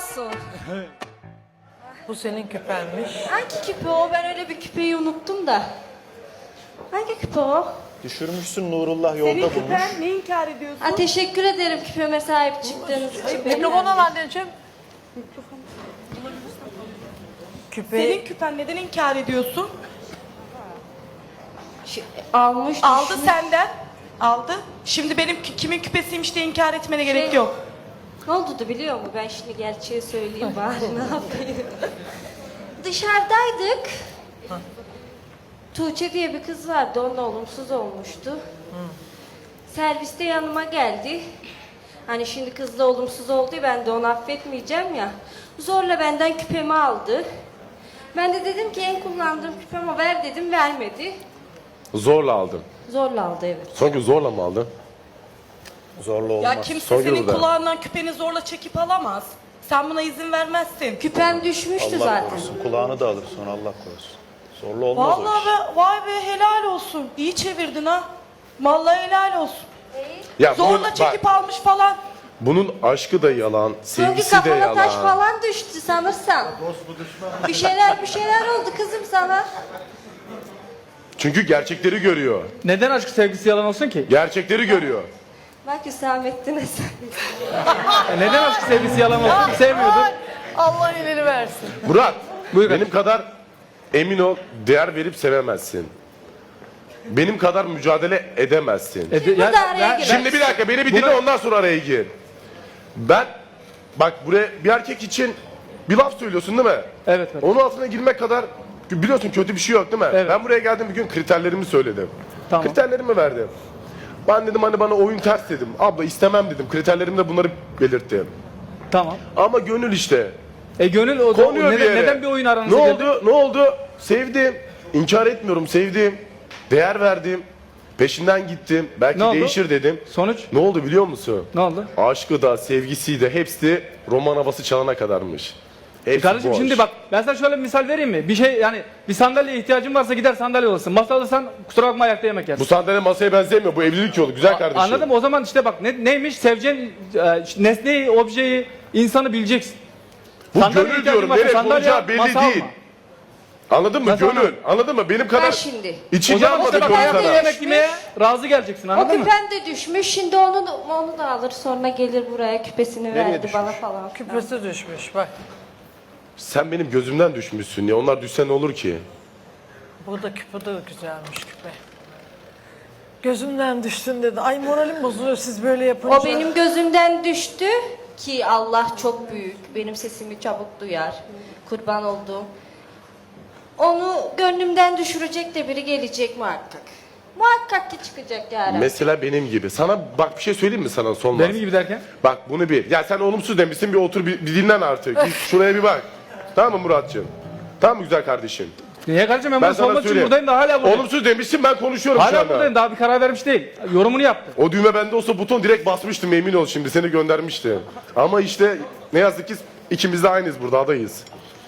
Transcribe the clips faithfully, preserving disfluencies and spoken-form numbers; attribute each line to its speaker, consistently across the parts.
Speaker 1: olsun.
Speaker 2: Bu senin küpenmiş.
Speaker 1: Hangi küpe o? Ben öyle bir küpeyi unuttum da. Hangi küpe o?
Speaker 3: Düşürmüşsün, Nurullah yolda
Speaker 2: Senin
Speaker 3: bulmuş.
Speaker 2: küpen, ne inkar ediyorsun?
Speaker 1: Ha, teşekkür ederim küpeme sahip çıktığınız için.
Speaker 2: Mikrofonu al anneciğim. Küpe... Senin küpen, neden inkar ediyorsun?
Speaker 1: Şu- Almış.
Speaker 2: Aldı
Speaker 1: düşmüş.
Speaker 2: senden. Aldı. Şimdi benim kü- kimin küpesiymiş diye inkar etmene gerek
Speaker 1: Şey-
Speaker 2: yok.
Speaker 1: Ne oldu da biliyor musun? Ben şimdi gerçeği söyleyeyim bari ne yapayım. Dışarıdaydık. Tuğçe diye bir kız vardı, onunla olumsuz olmuştu. Serviste yanıma geldi. Hani şimdi kızla olumsuz oldu ya, ben de onu affetmeyeceğim ya. Zorla benden küpemi aldı. Ben de dedim ki en kullandığım küpemi ver dedim, vermedi.
Speaker 4: Zorla aldım.
Speaker 1: Zorla aldı evet.
Speaker 4: Son gün zorla mı aldın?
Speaker 3: Zorla olmaz.
Speaker 2: Ya kimse
Speaker 4: Son
Speaker 2: senin
Speaker 4: yılda.
Speaker 2: kulağından küpeni zorla çekip alamaz. Sen buna izin vermezsin.
Speaker 1: Küpem düşmüştü
Speaker 3: Allah
Speaker 1: zaten.
Speaker 3: korusun. Kulağını da alır sonra, Allah korusun. Zorla olmaz o
Speaker 2: Vallahi
Speaker 3: iş.
Speaker 2: be, vay be, helal olsun. İyi çevirdin ha. Vallahi helal olsun.
Speaker 4: Ya
Speaker 2: Zorla
Speaker 4: bunun,
Speaker 2: çekip
Speaker 4: bak,
Speaker 2: almış falan.
Speaker 4: bunun aşkı da yalan,
Speaker 1: Sanki
Speaker 4: sevgisi de
Speaker 1: kafana
Speaker 4: yalan.
Speaker 1: taş falan düştü sanırsam. Bir şeyler bir şeyler oldu kızım sana.
Speaker 4: Çünkü gerçekleri görüyor.
Speaker 5: Neden aşk sevgisi yalan olsun ki?
Speaker 4: Gerçekleri görüyor.
Speaker 1: Bak Hüsamettin'e sen.
Speaker 5: E neden aşk sevgisi yalan olsun? Sevmiyordun.
Speaker 2: Allah ileri versin.
Speaker 4: Murat,
Speaker 5: Buyur
Speaker 4: benim kadar emin ol, değer verip sevemezsin. Benim kadar mücadele edemezsin.
Speaker 5: E, de- ya-
Speaker 1: Burada araya
Speaker 5: ben-
Speaker 1: gir.
Speaker 4: Şimdi bir dakika, beni bir dinle, ondan sonra araya gir. Ben, bak buraya bir erkek için bir laf söylüyorsun değil mi?
Speaker 5: Evet, evet.
Speaker 4: Onun altına girmek kadar, biliyorsun kötü bir şey yok değil mi?
Speaker 5: Evet.
Speaker 4: Ben buraya geldim bir gün kriterlerimi söyledim.
Speaker 5: Tamam.
Speaker 4: Kriterlerimi verdim. Ben dedim hani bana oyun ters dedim. Abla istemem dedim. Kriterlerimde bunları belirttim.
Speaker 5: Tamam.
Speaker 4: Ama gönül işte.
Speaker 5: E gönül o, o
Speaker 4: Konuyor bir
Speaker 5: neden,
Speaker 4: yere.
Speaker 5: neden bir oyun aranıza
Speaker 4: Ne
Speaker 5: geldi?
Speaker 4: oldu? Ne oldu? Sevdim. İnkar etmiyorum. Sevdim. Değer verdim. Peşinden gittim. Belki
Speaker 5: Ne oldu?
Speaker 4: değişir dedim.
Speaker 5: Sonuç?
Speaker 4: Ne oldu biliyor musun?
Speaker 5: Ne oldu?
Speaker 4: Aşkı da sevgisi de hepsi roman havası çalana kadarmış. Hepsi
Speaker 5: Kardeşim
Speaker 4: boş.
Speaker 5: şimdi bak ben sana şöyle bir misal vereyim mi? Bir şey yani bir sandalyeye ihtiyacın varsa gider sandalye alırsın. Masa alırsan kusura bakma ayakta yemek yersin.
Speaker 4: Bu sandalye masaya benzemiyor. Bu evlilik yolu. Güzel kardeşim.
Speaker 5: Anladım, o zaman işte bak ne, neymiş seveceğin e, nesneyi, objeyi, insanı bileceksin.
Speaker 4: Bu
Speaker 5: Sandalyeye
Speaker 4: gönül
Speaker 5: ihtiyacın
Speaker 4: diyorum.
Speaker 5: varsa
Speaker 4: Nereye
Speaker 5: sandalye
Speaker 4: konacağı
Speaker 5: al,
Speaker 4: belli
Speaker 5: masa
Speaker 4: değil.
Speaker 5: alma.
Speaker 4: Anladın mı?
Speaker 5: Nasıl
Speaker 4: Gönül.
Speaker 5: anladın?
Speaker 4: Anladın mı? Benim
Speaker 1: Ben
Speaker 4: kadar
Speaker 1: şimdi.
Speaker 4: içi
Speaker 5: O zaman
Speaker 4: yanmadı
Speaker 5: işte bak
Speaker 4: gönül
Speaker 5: ayakta
Speaker 4: sana.
Speaker 5: yemek yemeye razı geleceksin,
Speaker 1: O
Speaker 5: anladın mı?
Speaker 1: küpen de düşmüş. Şimdi onu da, onu da alır sonra gelir buraya küpesini verdi
Speaker 3: düşmüş?
Speaker 1: bana falan.
Speaker 2: Küpesi düşmüş bak.
Speaker 4: Sen benim gözümden düşmüşsün ya. Onlar düşse ne olur ki?
Speaker 2: Bu da küpe de güzelmiş küpe. Gözümden düştün dedi. Ay moralim bozuluyor siz böyle yapınca.
Speaker 1: O benim gözümden düştü ki Allah çok büyük. Benim sesimi çabuk duyar. Kurban olduğum. Onu gönlümden düşürecek de biri gelecek muhakkak. Muhakkak ki çıkacak yarın.
Speaker 4: Mesela benim gibi. Sana bak bir şey söyleyeyim mi sana son
Speaker 5: Benim gibi derken?
Speaker 4: Bak bunu bir. Ya sen olumsuz demişsin, bir otur bir, bir dinlen artık. Bir şuraya bir bak. Tamam mı Muratcığım? Tamam mı güzel kardeşim?
Speaker 5: Niye kardeşim ben,
Speaker 4: Ben
Speaker 5: bunu
Speaker 4: sana
Speaker 5: sormak için
Speaker 4: söyleyeyim.
Speaker 5: buradayım da hala buradayım.
Speaker 4: Olumsuz demişsin, ben konuşuyorum şu
Speaker 5: Hala
Speaker 4: anda.
Speaker 5: buradayım, daha bir karar vermiş değil. Yorumunu yaptı.
Speaker 4: O düğme bende olsa buton direkt basmıştım, emin ol, şimdi seni göndermişti. Ama işte ne yazık ki ikimiz de aynıyız, burada adayız.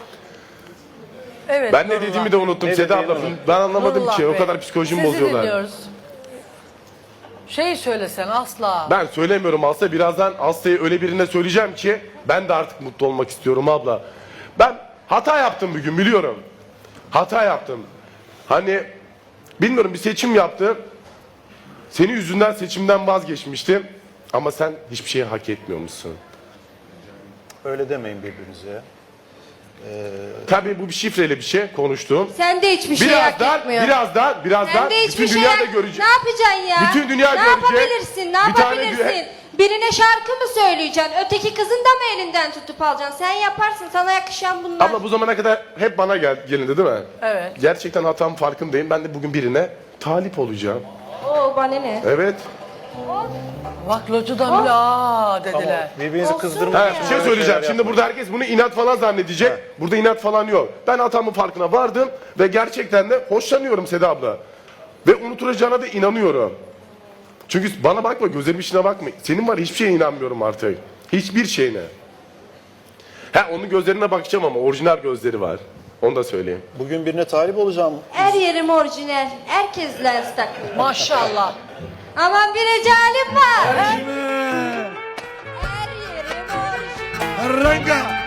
Speaker 2: Evet,
Speaker 4: Ben ne
Speaker 2: Nurullah.
Speaker 4: dediğimi de unuttum
Speaker 3: Ne
Speaker 4: Seda
Speaker 3: dediğini
Speaker 4: abla.
Speaker 3: unuttum.
Speaker 4: Ben anlamadım
Speaker 2: Nurullah
Speaker 4: ki, o
Speaker 2: Bey,
Speaker 4: kadar psikolojimi
Speaker 2: sizi
Speaker 4: bozuyorlar.
Speaker 2: dinliyoruz. Şey söylesen asla.
Speaker 4: Ben söylemiyorum Aslı, birazdan Aslı'yı öyle birine söyleyeceğim ki ben de artık mutlu olmak istiyorum abla. Ben hata yaptım bugün, biliyorum. Hata yaptım. Hani bilmiyorum, bir seçim yaptım. Senin yüzünden seçimden vazgeçmiştim. Ama sen hiçbir şeyi hak etmiyormuşsun.
Speaker 3: Öyle demeyin birbirinize.
Speaker 4: Tabii bu bir şifreyle bir şey konuştum.
Speaker 1: Sen de hiçbir şey hak
Speaker 4: Birazdan,
Speaker 1: etmiyorsun.
Speaker 4: birazdan, birazdan
Speaker 1: Sen de hiçbir
Speaker 4: bütün
Speaker 1: şey
Speaker 4: dünya da
Speaker 1: hak-
Speaker 4: görecek.
Speaker 1: Ne yapacaksın ya?
Speaker 4: Bütün dünya
Speaker 1: ne
Speaker 4: görecek.
Speaker 1: yapabilirsin? Ne
Speaker 4: Bir tane
Speaker 1: yapabilirsin?
Speaker 4: dü-
Speaker 1: Birine şarkı mı söyleyeceksin? Öteki kızın da mı elinden tutup alacaksın? Sen yaparsın. Sana yakışan bunlar.
Speaker 4: Abla bu zamana kadar hep bana gel, gelindi değil mi?
Speaker 2: Evet.
Speaker 4: Gerçekten hatam farkındayım. Ben de bugün birine talip olacağım.
Speaker 1: Oo bana ne?
Speaker 4: Evet.
Speaker 2: Bak locudan bile aa dediler.
Speaker 3: Birbirinizi
Speaker 1: Olsun.
Speaker 3: kızdırmayın.
Speaker 4: Ha, bir şey söyleyeceğim. Şimdi burada herkes bunu inat falan zannedecek. Burada inat falan yok. Ben hatamın farkına vardım ve gerçekten de hoşlanıyorum Seda abla. Ve unutulacağına da inanıyorum. Çünkü bana bakma, gözlerimin içine bakma. Senin var, hiçbir şeye inanmıyorum artık. Hiçbir şeyine. Ha, onun gözlerine bakacağım ama orijinal gözleri var. Onu da söyleyeyim.
Speaker 3: Bugün birine talip olacağım.
Speaker 1: Her yerim orijinal. Herkes lens takıyor.
Speaker 2: Maşallah.
Speaker 1: Aman bir recalim var. Her yerim orijinal.
Speaker 6: Ranga.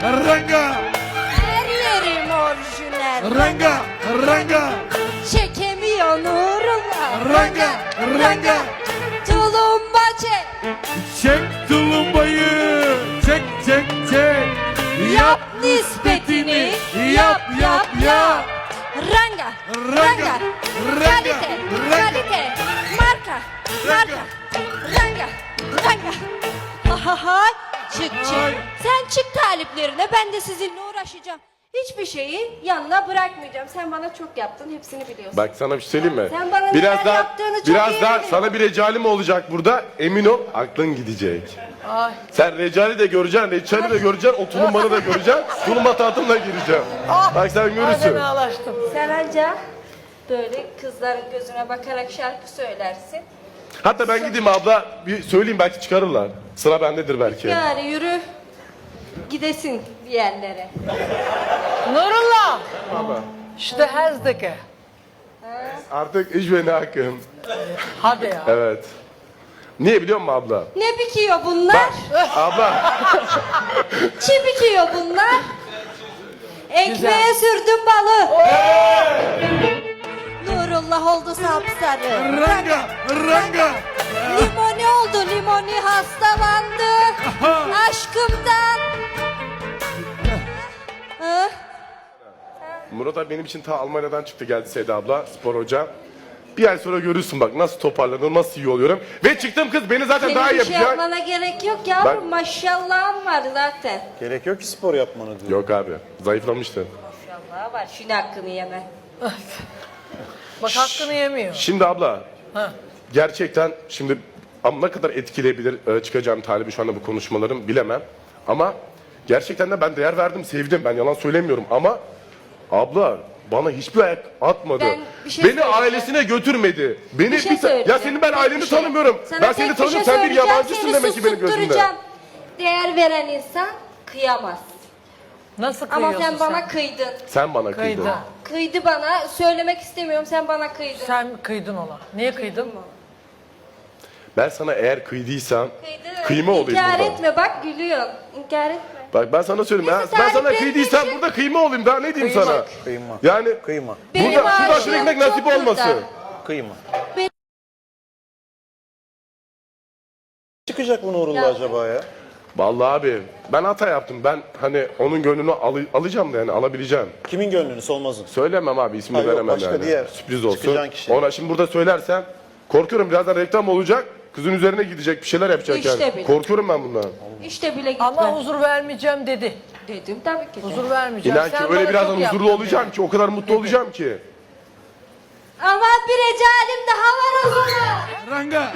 Speaker 6: ranga,
Speaker 1: Her yerim orijinal.
Speaker 6: ranga, ranga,
Speaker 1: Çekemiyor Nurullah.
Speaker 6: Ranga, ranga.
Speaker 1: Tulumba çek.
Speaker 6: çek tulumbayı, çek çek çek.
Speaker 1: Yap nispetini. Yap yap yap. Ranga.
Speaker 6: Ranga,
Speaker 1: Ranga.
Speaker 6: ranga,
Speaker 1: Kalite.
Speaker 6: ranga.
Speaker 1: Kalite. Marka. Marka. Ranga. Ranga. Ahahay. Çık çık.
Speaker 6: Ay.
Speaker 1: Sen çık taliplerine, ben de sizinle uğraşacağım. Hiçbir şeyi yanına bırakmayacağım. Sen bana çok yaptın, hepsini biliyorsun.
Speaker 4: Bak sana bir şey söyleyeyim mi?
Speaker 1: Sen bana
Speaker 4: biraz
Speaker 1: neler
Speaker 4: daha,
Speaker 1: yaptığını çok
Speaker 4: biraz
Speaker 1: iyi
Speaker 4: daha
Speaker 1: biliyorum.
Speaker 4: sana bir recalim olacak burada. Emin ol aklın gidecek.
Speaker 2: Ay.
Speaker 4: Sen recali de göreceksin, reçali de göreceksin, o tulumbanı da göreceksin. Tulumba tahtımla gireceğim. Bak sen
Speaker 2: Ay
Speaker 4: görürsün.
Speaker 2: ben ağlaştım.
Speaker 1: Sen anca böyle kızların gözüne bakarak şarkı söylersin.
Speaker 4: Hatta ben gideyim abla bir söyleyeyim belki çıkarırlar. Sıra bendedir belki.
Speaker 1: Yani yürü gidesin bir yerlere.
Speaker 2: Nurullah. İşte hezdeki.
Speaker 4: Artık iş beni hakkım.
Speaker 2: Hadi ya.
Speaker 4: Evet. Niye biliyor musun abla?
Speaker 1: Ne bikiyor bunlar?
Speaker 4: Abla
Speaker 1: Çi bikiyor bunlar? Ekmeğe sürdüm balı. Nurullah oldu sapsarı.
Speaker 6: Ranga, ranga,
Speaker 1: Limoni oldu limoni, hastalandı aşkımdan. Hı?
Speaker 4: Murat abi benim için ta Almanya'dan çıktı geldi Seda abla spor hoca. Bir ay sonra görürsün bak nasıl toparlanıyorum, nasıl iyi oluyorum. Ve çıktım kız beni zaten daha iyi
Speaker 1: Senin bir şey
Speaker 4: yapacak.
Speaker 1: yapmana gerek yok yavrum,
Speaker 4: Ben-
Speaker 1: maşallahın var zaten.
Speaker 3: Gerek yok ki spor yapmanı diyor.
Speaker 4: Yok abi zayıflamıştı.
Speaker 1: Maşallah var, şunu hakkını yeme.
Speaker 2: Bak hakkını yemiyor.
Speaker 4: Şimdi abla
Speaker 2: Ha.
Speaker 4: gerçekten şimdi ama ne kadar etkileyebilir e, çıkacağım talibi şu anda bu konuşmalarım bilemem. Ama gerçekten de ben değer verdim, sevdim. Ben yalan söylemiyorum ama abla bana hiçbir ayak atmadı.
Speaker 1: Ben bir şey
Speaker 4: Beni
Speaker 1: söyleyeceğim.
Speaker 4: ailesine götürmedi. Beni
Speaker 1: Bir şey
Speaker 4: bir ta-
Speaker 1: söyleyeceğim.
Speaker 4: ya senin ben
Speaker 1: Tek
Speaker 4: aileni
Speaker 1: bir şey.
Speaker 4: tanımıyorum.
Speaker 1: Sana
Speaker 4: Ben
Speaker 1: tek
Speaker 4: seni
Speaker 1: bir
Speaker 4: tanıyorum.
Speaker 1: şey
Speaker 4: Sen bir
Speaker 1: söyleyeceğim,
Speaker 4: yabancısın
Speaker 1: seni
Speaker 4: demek ki benim gözümde.
Speaker 1: susturacağım. Değer veren insan kıyamaz.
Speaker 2: Nasıl
Speaker 1: Ama
Speaker 2: kıyıyorsun
Speaker 1: sen bana kıydın.
Speaker 4: Sen bana kıydın.
Speaker 2: Kıydı.
Speaker 1: Kıydı bana. Söylemek istemiyorum, sen bana kıydın.
Speaker 2: Sen kıydın ona. Niye kıydın?
Speaker 4: Ben sana eğer kıydıysam
Speaker 1: Kıydın.
Speaker 4: kıyma olayım
Speaker 1: İnkar
Speaker 4: burada.
Speaker 1: etme bak, gülüyorsun. İnkar etme.
Speaker 4: Bak ben sana söyleyeyim.
Speaker 1: Neyse,
Speaker 4: Ben, ben sana
Speaker 1: tariflerini
Speaker 4: kıydıysam
Speaker 1: için-
Speaker 4: burada kıyma olayım. Daha ne diyeyim sana?
Speaker 3: Kıyma.
Speaker 4: Yani
Speaker 3: Kıyma.
Speaker 1: Benim
Speaker 4: burada şurada
Speaker 1: aşığım
Speaker 4: aşırı ekmek
Speaker 1: çok
Speaker 4: nasip
Speaker 1: burada.
Speaker 4: olmasın.
Speaker 3: Kıyma.
Speaker 1: Benim-
Speaker 3: Çıkacak bu Nurullah
Speaker 1: Ya.
Speaker 3: acaba ya?
Speaker 4: Vallahi abi ben hata yaptım. Ben hani onun gönlünü alı- alacağım da yani alabileceğim.
Speaker 3: Kimin gönlünü Solmaz'ın?
Speaker 4: Söylemem abi ismini
Speaker 3: Ha, yok,
Speaker 4: veremem
Speaker 3: başka
Speaker 4: yani.
Speaker 3: diğer
Speaker 4: Sürpriz olsun.
Speaker 3: çıkacağın kişi.
Speaker 4: Ona şimdi burada söylersem korkuyorum birazdan reklam olacak. Kızın üzerine gidecek bir şeyler yapacak
Speaker 1: İşte
Speaker 4: yani.
Speaker 1: bile.
Speaker 4: Korkuyorum ben bundan.
Speaker 1: İşte bile gitme.
Speaker 2: Ama huzur vermeyeceğim dedi.
Speaker 1: Dedim tabii ki de.
Speaker 2: Huzur vermeyeceğim.
Speaker 4: İnan ki
Speaker 2: Sen
Speaker 4: öyle
Speaker 2: bana
Speaker 4: birazdan
Speaker 2: çok
Speaker 4: huzurlu
Speaker 2: yaptın
Speaker 4: olacağım ki o kadar mutlu olacağım ki.
Speaker 1: Ama bir recalim daha var o zaman.
Speaker 6: ranga,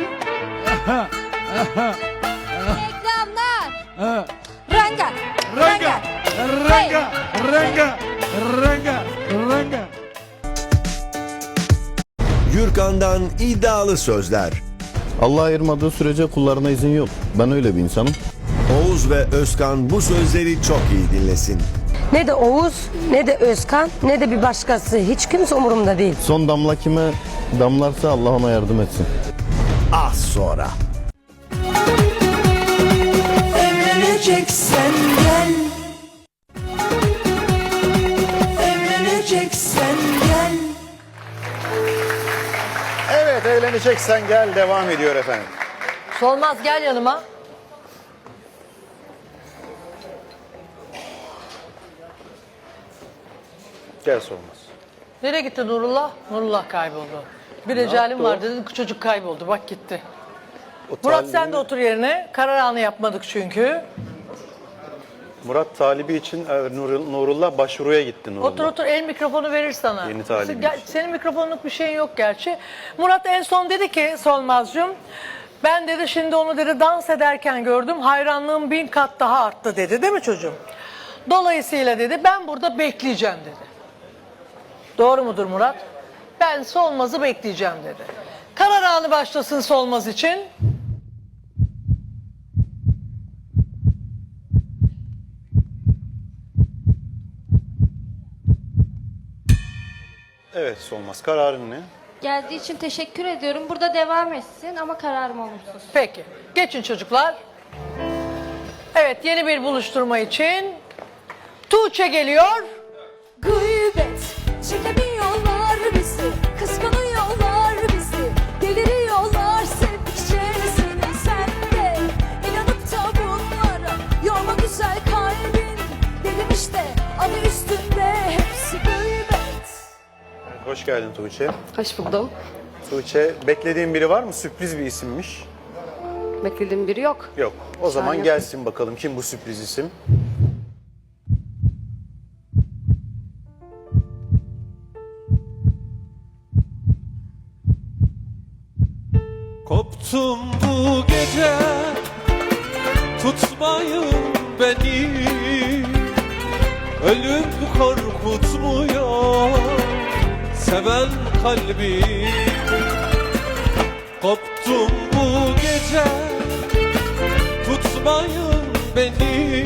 Speaker 1: Reklamlar.
Speaker 6: ha,
Speaker 1: Ranga.
Speaker 6: ranga, ranga, ranga, ranga, ranga.
Speaker 7: Gürkan'dan iddialı sözler.
Speaker 8: Allah ayırmadığı sürece kullarına izin yok. Ben öyle bir insanım.
Speaker 7: Oğuz ve Özkan bu sözleri çok iyi dinlesin.
Speaker 9: Ne de Oğuz, ne de Özkan, ne de bir başkası. Hiç kimse umurumda değil.
Speaker 8: Son damla kime damlarsa Allah ona yardım etsin.
Speaker 7: Az sonra.
Speaker 10: Evleneceksen gel. Evleneceksen gel.
Speaker 3: Evet evleneceksen gel devam ediyor efendim.
Speaker 2: Solmaz gel yanıma.
Speaker 3: Gel Solmaz.
Speaker 2: Nereye gitti Nurullah? Nurullah kayboldu. Bir recalim var dedi, çocuk kayboldu. Bak gitti.
Speaker 3: O
Speaker 2: Murat
Speaker 3: talibi-
Speaker 2: sen de otur yerine. Karar anı yapmadık çünkü.
Speaker 3: Murat talibi için e, Nurul- Nurullah başvuruya gitti Nurullah.
Speaker 2: Otur otur, el mikrofonu verir sana.
Speaker 3: Yeni talibimiz.
Speaker 2: Gel- Senin mikrofonluk bir şeyin yok gerçi. Murat en son dedi ki Solmazcığım, ben dedi şimdi onu dedi dans ederken gördüm, hayranlığım bin kat daha arttı dedi, değil mi çocuğum? Dolayısıyla dedi ben burada bekleyeceğim dedi. Doğru mudur Murat? Ben Solmaz'ı bekleyeceğim dedi. Karar anı başlasın Solmaz için.
Speaker 3: Evet Solmaz kararın ne?
Speaker 1: Geldiği için teşekkür ediyorum. Burada devam etsin ama kararım olumsuz.
Speaker 2: Peki. Geçin çocuklar. Evet, yeni bir buluşturma için Tuğçe geliyor.
Speaker 10: Gıybet çekemiyorlar bizi, kıskanıyorlar bizi, deliriyorlar sevdikçe seni sen de. İnanıp da bunlara yorma güzel kalbin, dedim işte adı üstünde hepsi gıybet.
Speaker 3: Hoş geldin Tuğçe.
Speaker 11: Hoş buldum.
Speaker 3: Tuğçe, beklediğin biri var mı? Sürpriz bir isimmiş.
Speaker 11: Beklediğim biri yok.
Speaker 3: Yok. O zaman
Speaker 11: yok.
Speaker 3: gelsin bakalım kim bu sürpriz isim?
Speaker 12: Koptum bu gece, tutmayın beni. Ölüm korkutmuyor seven kalbi. Koptum bu gece, tutmayın beni.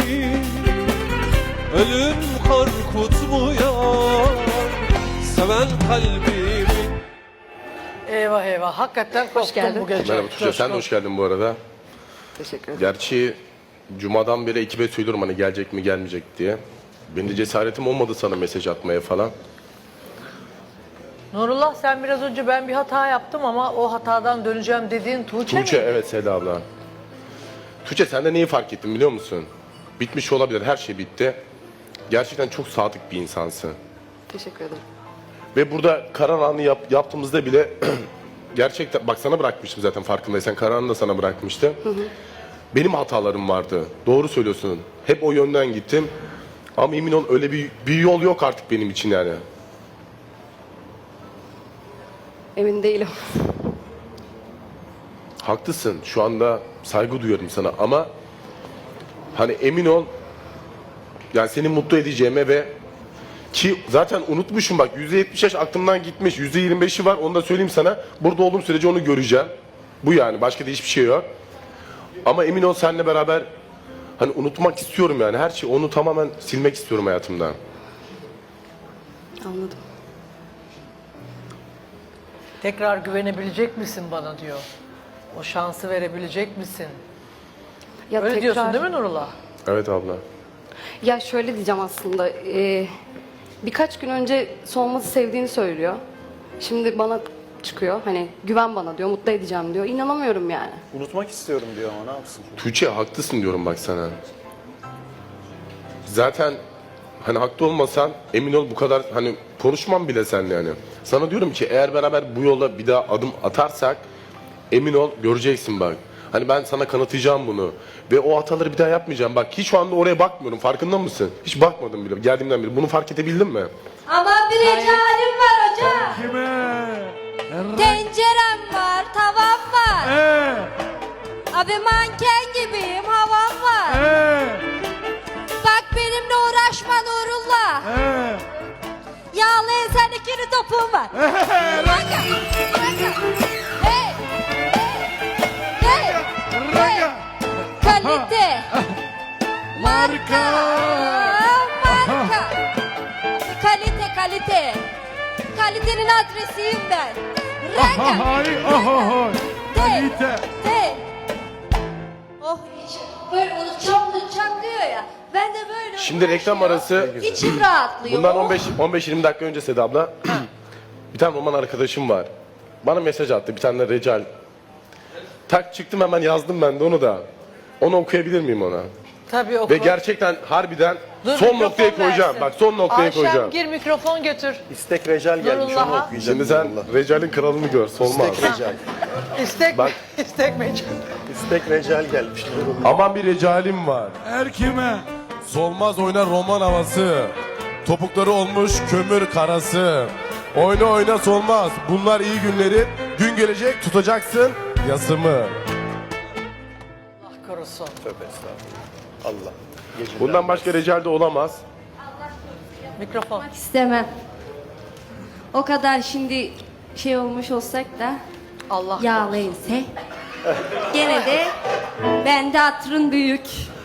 Speaker 12: Ölüm korkutmuyor seven kalbimi.
Speaker 2: Eyvah eyvah hakikaten koptum
Speaker 11: geldin.
Speaker 2: bu gece.
Speaker 4: Merhaba Tuğçe, sen de hoş geldin bu arada.
Speaker 11: Teşekkür ederim.
Speaker 4: Gerçi Cuma'dan beri ekibe söylüyorum hani gelecek mi gelmeyecek diye. Benim de cesaretim olmadı sana mesaj atmaya falan.
Speaker 2: Nurullah sen biraz önce ben bir hata yaptım ama o hatadan döneceğim dediğin Tuğçe,
Speaker 4: Tuğçe
Speaker 2: mi?
Speaker 4: evet Seda abla. Tuğçe sen de neyi fark ettin biliyor musun? Bitmiş olabilir, her şey bitti. Gerçekten çok sadık bir insansın.
Speaker 11: Teşekkür ederim.
Speaker 4: Ve burada karar anı yap, yaptığımızda bile gerçekten bak sana bırakmıştım zaten farkındaysan, karar anını da sana bırakmıştım. Hı hı. Benim hatalarım vardı. Doğru söylüyorsun. Hep o yönden gittim. Ama emin ol öyle bir, bir yol yok artık benim için yani.
Speaker 11: Emin değilim.
Speaker 4: Haklısın. Şu anda saygı duyuyorum sana ama hani emin ol yani seni mutlu edeceğime ve ki zaten unutmuşum bak yüzde yetmiş yaş aklımdan gitmiş. yüzde yirmi beşi var onu da söyleyeyim sana. Burada olduğum sürece onu göreceğim. Bu yani başka da hiçbir şey yok. Ama emin ol seninle beraber hani unutmak istiyorum yani her şeyi onu tamamen silmek istiyorum hayatımdan.
Speaker 11: Anladım.
Speaker 2: Tekrar güvenebilecek misin bana diyor. O şansı verebilecek misin?
Speaker 11: Ya
Speaker 2: Öyle
Speaker 11: tekrar,
Speaker 2: diyorsun değil mi Nurullah?
Speaker 4: Evet abla.
Speaker 11: Ya şöyle diyeceğim aslında. e, birkaç gün önce Solmaz'ı sevdiğini söylüyor. Şimdi bana çıkıyor. Hani güven bana diyor, mutlu edeceğim diyor. İnanamıyorum yani.
Speaker 3: Unutmak istiyorum diyor ama ne yapsın?
Speaker 4: Tuğçe haklısın diyorum bak sana. Zaten hani haklı olmasan emin ol bu kadar hani konuşmam bile seninle yani. Sana diyorum ki eğer beraber bu yola bir daha adım atarsak emin ol göreceksin bak. Hani ben sana kanıtlayacağım bunu. Ve o hataları bir daha yapmayacağım. Bak hiç şu anda oraya bakmıyorum. Farkında mısın? Hiç bakmadım bile. Geldiğimden beri. Bunu fark edebildin mi?
Speaker 1: Ama bir ecalim var hocam.
Speaker 6: Kime?
Speaker 1: Tencerem var, tavam var.
Speaker 6: Ee,
Speaker 1: Abi manken gibiyim, havam var.
Speaker 6: ee,
Speaker 1: Bak benimle uğraşma Nurullah.
Speaker 6: ee.
Speaker 1: Yağlı ensendekini topum var. Ranga, ranga. Hey, hey, hey, hey. Kalite. Marka. Marka. Kalite, kalite. Kalitenin adresiyim ben. Ranga.
Speaker 6: Ahay, ahay.
Speaker 1: Hey,
Speaker 6: Kalite.
Speaker 1: hey. Oh, böyle unutacağım, unutacağım diyor ya. Ben de böyle
Speaker 4: Şimdi reklam arası.
Speaker 1: İçim rahatlıyor.
Speaker 4: Bundan
Speaker 1: Oh.
Speaker 4: on beş yirmi dakika önce Seda abla. Bir tane roman arkadaşım var. Bana mesaj attı. Bir tane de Recal. Tak çıktım hemen yazdım ben de onu da. Onu okuyabilir miyim ona?
Speaker 2: Tabii oku.
Speaker 4: Ve gerçekten harbiden
Speaker 2: Dur,
Speaker 4: son
Speaker 2: mikrofon
Speaker 4: noktaya koyacağım.
Speaker 2: versin.
Speaker 4: Bak son noktaya
Speaker 2: Ayşem
Speaker 4: koyacağım.
Speaker 2: gir mikrofon götür.
Speaker 3: İstek Recal gelmiş onu
Speaker 2: Nurullah'a.
Speaker 3: okuyacağım.
Speaker 4: Şimdi sen
Speaker 3: Nurullah.
Speaker 4: Recal'in kralını gör. Solmaz.
Speaker 3: İstek Recal.
Speaker 2: İstek
Speaker 4: Bak.
Speaker 2: istek mecbur.
Speaker 3: İstek Recal gelmiş Nurullah.
Speaker 4: Aman bir Recalim var.
Speaker 6: Her kime?
Speaker 12: Solmaz oynar roman havası. Topukları olmuş kömür karası. Oyna oyna solmaz. Bunlar iyi günleri. Gün gelecek tutacaksın yasımı.
Speaker 2: Allah korusun.
Speaker 3: Tövbe estağfurullah. Allah. Geceler
Speaker 4: Bundan başka Recal de olamaz.
Speaker 2: Mikrofon.
Speaker 1: İstemem. O kadar şimdi şey olmuş olsak da
Speaker 2: Allah
Speaker 1: yağlı ense. Gene de bende hatırın büyük.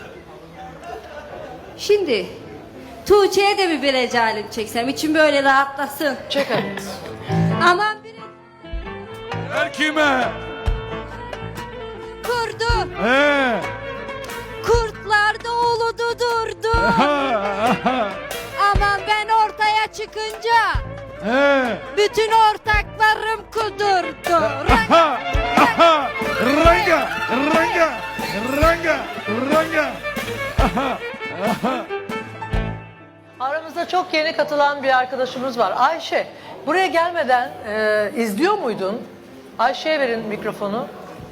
Speaker 1: Şimdi Tuğçe'ye de bir bir recalim çeksem için böyle rahatlasın.
Speaker 2: çek hadi.
Speaker 1: Aman bir
Speaker 6: Her kime?
Speaker 1: kurdu.
Speaker 6: Ee,
Speaker 1: Kurtlar da uludu durdu.
Speaker 10: Aman ben ortaya çıkınca
Speaker 6: He.
Speaker 10: bütün ortaklarım kudurdu.
Speaker 6: Aha. Aha. Ranga. Ranga. Ranga. Ranga. Aha. Aha.
Speaker 2: Aramızda çok yeni katılan bir arkadaşımız var. Ayşe, buraya gelmeden e, izliyor muydun? Ayşe'ye verin mikrofonu.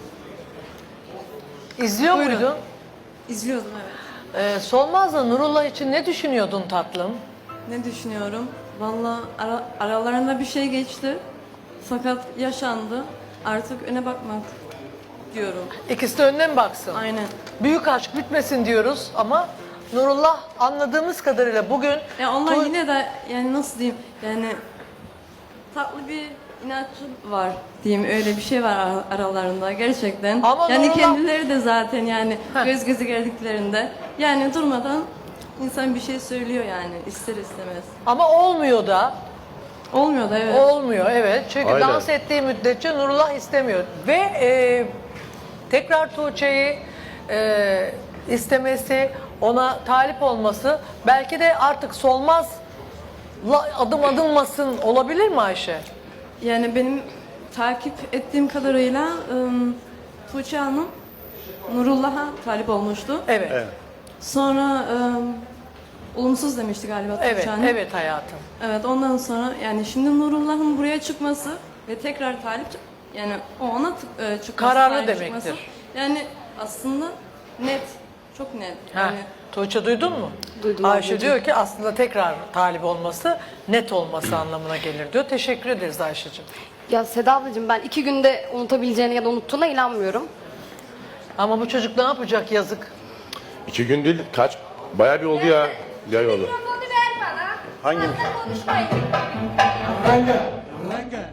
Speaker 2: İzliyor muydun?
Speaker 11: İzliyordum evet.
Speaker 2: E, Solmaz'la Nurullah için ne düşünüyordun tatlım?
Speaker 11: Ne düşünüyorum? Valla ara, aralarında bir şey geçti. Fakat yaşandı. Artık öne bakmak diyorum.
Speaker 2: İkisi de önüne mi baksın?
Speaker 11: Aynen.
Speaker 2: Büyük aşk bitmesin diyoruz ama Nurullah anladığımız kadarıyla bugün...
Speaker 11: Ya onlar
Speaker 2: Tu-
Speaker 11: yine de yani nasıl diyeyim yani tatlı bir inatçı var diyeyim, öyle bir şey var ara- aralarında gerçekten.
Speaker 2: Ama
Speaker 11: yani
Speaker 2: Nurullah-
Speaker 11: kendileri de zaten yani
Speaker 2: Heh.
Speaker 11: göz göze geldiklerinde yani durmadan insan bir şey söylüyor yani ister istemez.
Speaker 2: Ama olmuyor da.
Speaker 11: Olmuyor da evet.
Speaker 2: Olmuyor evet. Çünkü
Speaker 4: Aynen.
Speaker 2: dans ettiği müddetçe Nurullah istemiyor. Ve e, tekrar Tuğçe'yi e, istemesi, ona talip olması belki de artık Solmaz'la adım adımmasın olabilir mi Ayşe?
Speaker 11: Yani benim takip ettiğim kadarıyla ım, Tuğçe Hanım Nurullah'a talip olmuştu.
Speaker 2: Evet.
Speaker 3: Evet.
Speaker 11: Sonra ım, olumsuz demişti galiba Tuğçe
Speaker 2: Evet,
Speaker 11: Hanım.
Speaker 2: evet hayatım.
Speaker 11: Evet, ondan sonra yani şimdi Nurullah'ın buraya çıkması ve tekrar talip yani o ona t- e, çıkması,
Speaker 2: Kararlı
Speaker 11: talip
Speaker 2: demektir.
Speaker 11: çıkması, yani aslında net, çok net.
Speaker 2: Ha,
Speaker 11: Yani
Speaker 2: Tuğçe duydun mu?
Speaker 11: Duydum
Speaker 2: Ayşe
Speaker 11: ablacığım.
Speaker 2: diyor ki aslında tekrar talip olması net olması anlamına gelir diyor. Teşekkür ederiz Ayşe'cim.
Speaker 11: ya Seda ablacığım, ben iki günde unutabileceğine ya da unuttuğuna inanmıyorum.
Speaker 2: Ama bu çocuk ne yapacak yazık.
Speaker 4: İki gün değil, kaç? Bayağı bir oldu ya. Ya yolu.
Speaker 10: Mikrofonu ver bana.
Speaker 3: Hangi
Speaker 10: Fazla konuşmayın.
Speaker 6: Ranga. Ranga.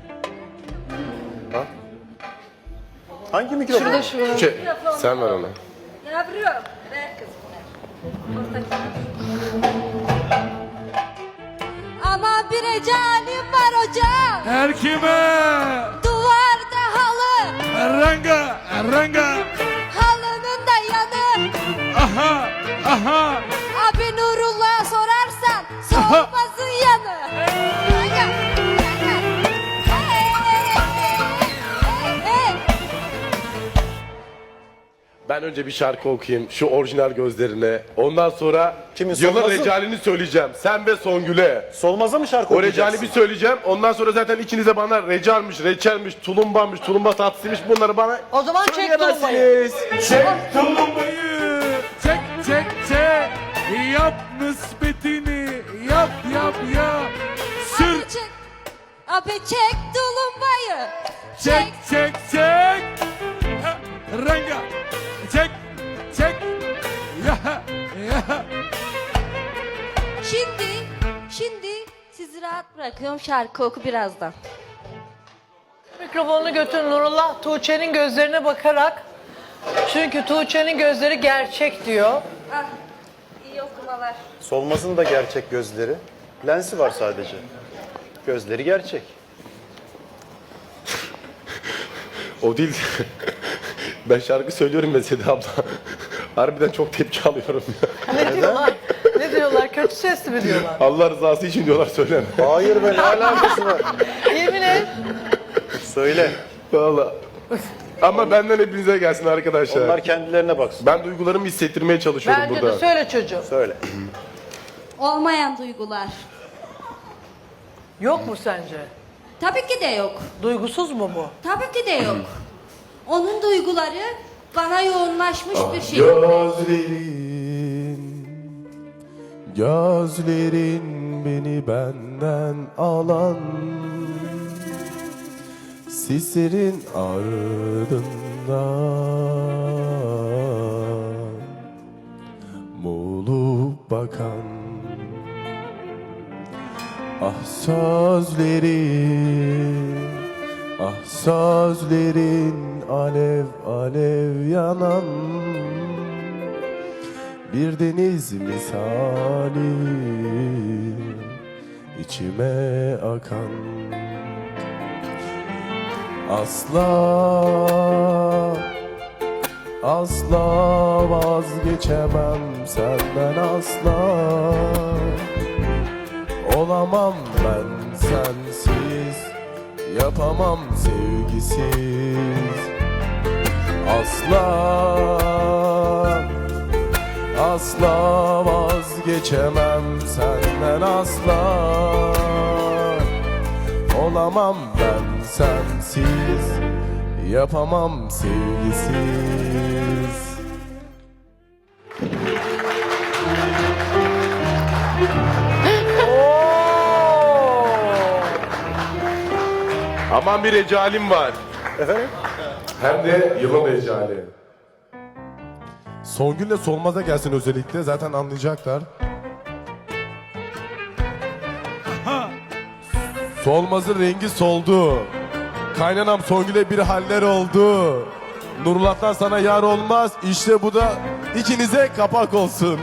Speaker 3: Hangi mikrofon?
Speaker 11: Şurada şu
Speaker 4: Şey, sen ver ona.
Speaker 1: Yavrum. Ver kızım.
Speaker 10: Ama bir ecalim var hocam.
Speaker 6: Her kime?
Speaker 10: Duvarda halı.
Speaker 6: Ranga. Ranga.
Speaker 10: Halının da yanı.
Speaker 6: Aha. Aha.
Speaker 10: Abi Nurullah'a sorarsan Solmaz'ın yanı. Aga, aga. Hey, hey, hey.
Speaker 4: Ben önce bir şarkı okuyayım şu orijinal gözlerine. Ondan sonra
Speaker 3: Kimin,
Speaker 4: yılın
Speaker 3: Solmaz'ın?
Speaker 4: recalini söyleyeceğim. Sen ve Songül'e.
Speaker 3: Solmaz'a mı şarkı
Speaker 4: O
Speaker 3: okuyacaksın?
Speaker 4: recali bir söyleyeceğim. Ondan sonra zaten ikiniz de bana recalmiş, reçelmiş, tulumbamış, tulumba tatlısıymış bunları bana
Speaker 2: O zaman çek
Speaker 4: söyleyemezsiniz. Çek
Speaker 6: Tulumbayı çek çek çek. Yap nispetini. Yap yap yap. Sür.
Speaker 10: Abi çek, abi çek tulumbayı.
Speaker 6: Çek çek çek. Ha, Ranga. Çek çek. Ya ya.
Speaker 1: Şimdi, şimdi sizi rahat bırakıyorum. Şarkı oku birazdan.
Speaker 2: Mikrofonunu götür Nurullah Tuğçe'nin gözlerine bakarak. Çünkü Tuğçe'nin gözleri gerçek diyor.
Speaker 1: Ah, iyi okumalar.
Speaker 3: Solmaz'ın da gerçek gözleri. Lensi var sadece. Gözleri gerçek.
Speaker 4: O değil. Ben şarkı söylüyorum ya Seda abla. Harbiden çok tepki alıyorum ya.
Speaker 2: Ne diyorlar? Ne diyorlar? Kötü sesli mi diyorlar?
Speaker 4: Allah rızası için diyorlar söyleme.
Speaker 3: Hayır be, ne alakası var?
Speaker 2: Yemin et.
Speaker 3: Söyle.
Speaker 4: Valla. Ama benden hepinize gelsin arkadaşlar.
Speaker 3: Onlar kendilerine baksın.
Speaker 4: Ben duygularımı hissettirmeye çalışıyorum
Speaker 2: Bence
Speaker 4: burada.
Speaker 2: de söyle çocuğum.
Speaker 3: Söyle.
Speaker 1: Olmayan duygular.
Speaker 2: Yok mu sence?
Speaker 1: Tabii ki de yok.
Speaker 2: Duygusuz mu bu?
Speaker 1: Tabii ki de yok. Onun duyguları bana yoğunlaşmış bir şey.
Speaker 12: Gözlerin, gözlerin beni benden alan, sislerin ardından muğlup bakan. Ah sözlerin, ah sözlerin alev alev yanan bir deniz misali içime akan. Asla Asla vazgeçemem senden asla. Olamam ben sensiz, yapamam sevgisiz. Asla, asla vazgeçemem senden asla. Olamam ben sensiz, yapamam sevgisiz.
Speaker 4: Aman bir recalim var.
Speaker 3: Efendim?
Speaker 4: Hem de yılın recali.
Speaker 12: Songül'le Solmaz'a gelsin özellikle, zaten anlayacaklar. Solmaz'ın rengi soldu. Kaynanam Songül'e bir haller oldu. Nurullah'tan sana yar olmaz. İşte bu da ikinize kapak olsun.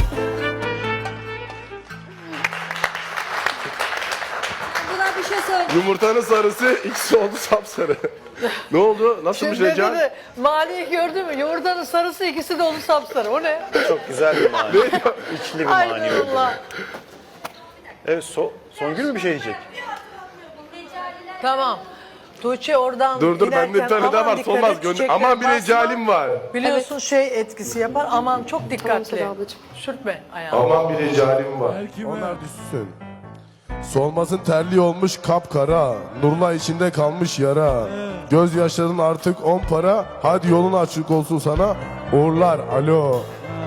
Speaker 1: Buna bir şey söyle.
Speaker 4: Yumurtanın sarısı ikisi oldu sapsarı. Ne oldu? Nasıl bir
Speaker 2: Şimdi
Speaker 4: recal?
Speaker 2: dedi, Mali'yi gördün mü? Yumurtanın sarısı ikisi de oldu sapsarı. O ne?
Speaker 3: Çok güzel bir mani. İçli bir
Speaker 2: Ay
Speaker 3: mani.
Speaker 2: Allah.
Speaker 3: Evet, so Songül mü bir şey diyecek?
Speaker 2: Tamam. Tuğçe oradan
Speaker 4: Dur dur bende bir
Speaker 2: giderken
Speaker 4: tane daha
Speaker 2: aman
Speaker 4: var.
Speaker 2: dikkat
Speaker 4: Solmaz
Speaker 2: et,
Speaker 4: gönder.
Speaker 2: çiçekler
Speaker 4: Aman bir
Speaker 2: basma.
Speaker 4: recalim var.
Speaker 2: Biliyorsun şey etkisi yapar. Aman çok
Speaker 11: Tamam
Speaker 2: dikkatli.
Speaker 11: Seda ablacığım.
Speaker 2: Sürtme ayağını.
Speaker 4: Aman bir recalim var.
Speaker 6: Her kime?
Speaker 12: Onlar düşsün. Solmaz'ın terli olmuş kapkara. Nurla içinde kalmış yara. Gözyaşların artık on para. Hadi yolun açık olsun sana. Uğurlar alo.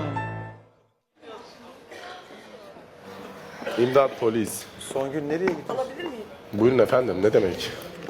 Speaker 4: İmdat polis.
Speaker 3: Songül nereye gidiyor?
Speaker 4: Buyurun efendim ne demek?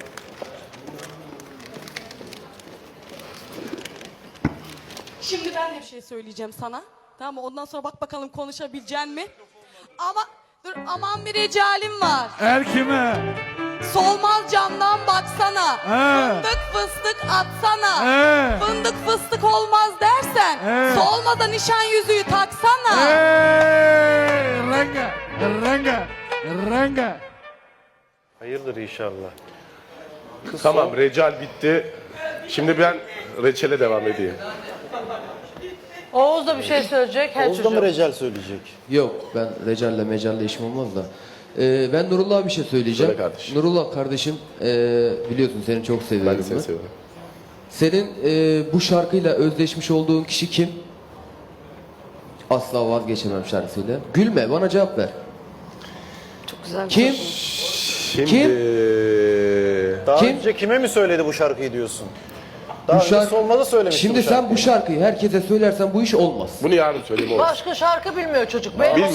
Speaker 10: Şimdi ben de bir şey söyleyeceğim sana. Tamam mı? Ondan sonra bak bakalım konuşabilecek mi? Ama dur aman bir recalim var.
Speaker 6: Her kime?
Speaker 10: Solmaz camdan baksana.
Speaker 6: He.
Speaker 10: Fındık fıstık atsana.
Speaker 6: He.
Speaker 10: Fındık fıstık olmaz dersen.
Speaker 6: He.
Speaker 10: Solmaza nişan yüzüğü taksana.
Speaker 6: Hey! Renga, renga, renga.
Speaker 3: Hayırdır inşallah. Kız
Speaker 4: Tamam
Speaker 3: Son-
Speaker 4: recal bitti. Şimdi ben reçele devam edeyim.
Speaker 2: Oğuz da bir şey söyleyecek. Her
Speaker 8: Oğuz da
Speaker 2: çocuğum.
Speaker 8: mı recal söyleyecek?
Speaker 13: Yok, ben Recal'le Mecal'le işim olmaz da. Ee, ben Nurullah'a bir şey söyleyeceğim.
Speaker 4: Söyle kardeşim.
Speaker 13: Nurullah kardeşim, ee, biliyorsun seni çok seviyorum.
Speaker 4: Ben de seni
Speaker 13: ben.
Speaker 4: seviyorum.
Speaker 13: Senin ee, bu şarkıyla özdeşmiş olduğun kişi kim? Asla vazgeçemem şarkısıyla. Gülme, bana cevap ver.
Speaker 11: Çok güzel bir
Speaker 13: Kim?
Speaker 4: Şimdi...
Speaker 13: Kim?
Speaker 3: Daha
Speaker 13: Kim?
Speaker 3: önce kime mi söyledi bu şarkıyı diyorsun? Daha
Speaker 13: Bu
Speaker 3: önce
Speaker 13: şarkı-
Speaker 3: Solmaz'a söylemişti
Speaker 13: Şimdi
Speaker 3: bu
Speaker 13: sen
Speaker 3: şarkıyı.
Speaker 13: bu şarkıyı herkese söylersen bu iş olmaz.
Speaker 4: Bunu yarın söyleyeyim olur.
Speaker 2: Başka şarkı bilmiyor çocuk. Benim
Speaker 4: Bilmiyor.